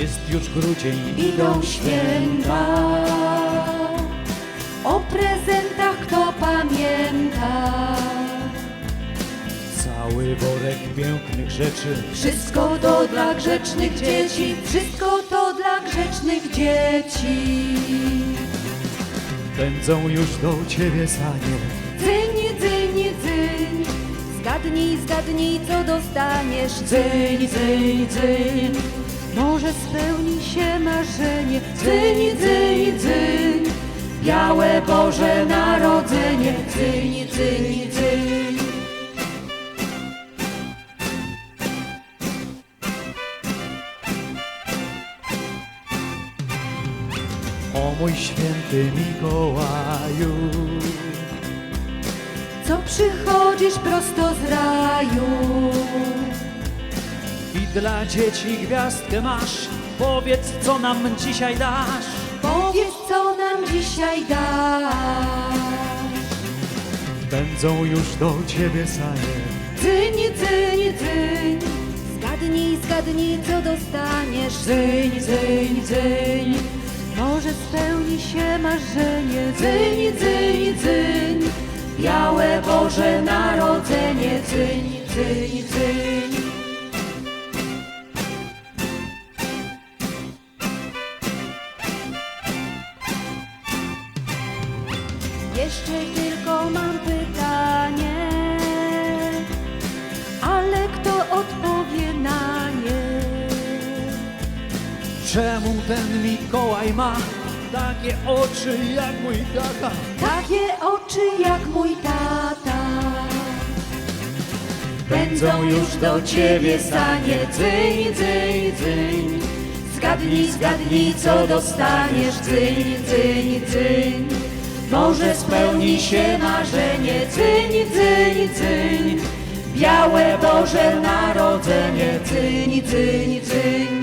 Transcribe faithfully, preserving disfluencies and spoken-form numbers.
Jest już grudzień, Idą święta, o prezentach kto pamięta. cały worek pięknych rzeczy. Wszystko to dla grzecznych dzieci, wszystko to dla grzecznych dzieci. Pędzą już do ciebie sanie. Dzyń, dzyń, dzyń, zgadnij, zgadnij co dostaniesz. Dzyń, dzyń, dzyń, może spełni się marzenie. Dzyń, dzyń, dzyń, białe Boże Narodzenie. Dzyń, dzyń, dzyń. O mój święty Mikołaju, Co przychodzisz prosto z raju. i dla dzieci gwiazdkę masz. Powiedz, co nam dzisiaj dasz. Powiedz co nam dzisiaj dasz. Pędzą już do ciebie sanie. Dzyń, dzyń, dzyń, zgadnij, zgadnij co dostaniesz. Dzyń, dzyń, dzyń, może spełni się marzenie. Dzyń, dzyń, dzyń, białe Boże Narodzenie. Dzyń, dzyń, dzyń. Jeszcze tylko mam pytanie, ale kto odpowie na nie? Czemu ten Mikołaj ma takie oczy jak mój tata? Takie oczy jak mój tata. Pędzą już do ciebie sanie. Dzyń, dzyń, dzyń, zgadnij, zgadnij co dostaniesz. Dzyń, dzyń, dzyń, może spełni się marzenie. Dzyń, dzyń, dzyń, białe Boże Narodzenie. Dzyń, dzyń, dzyń.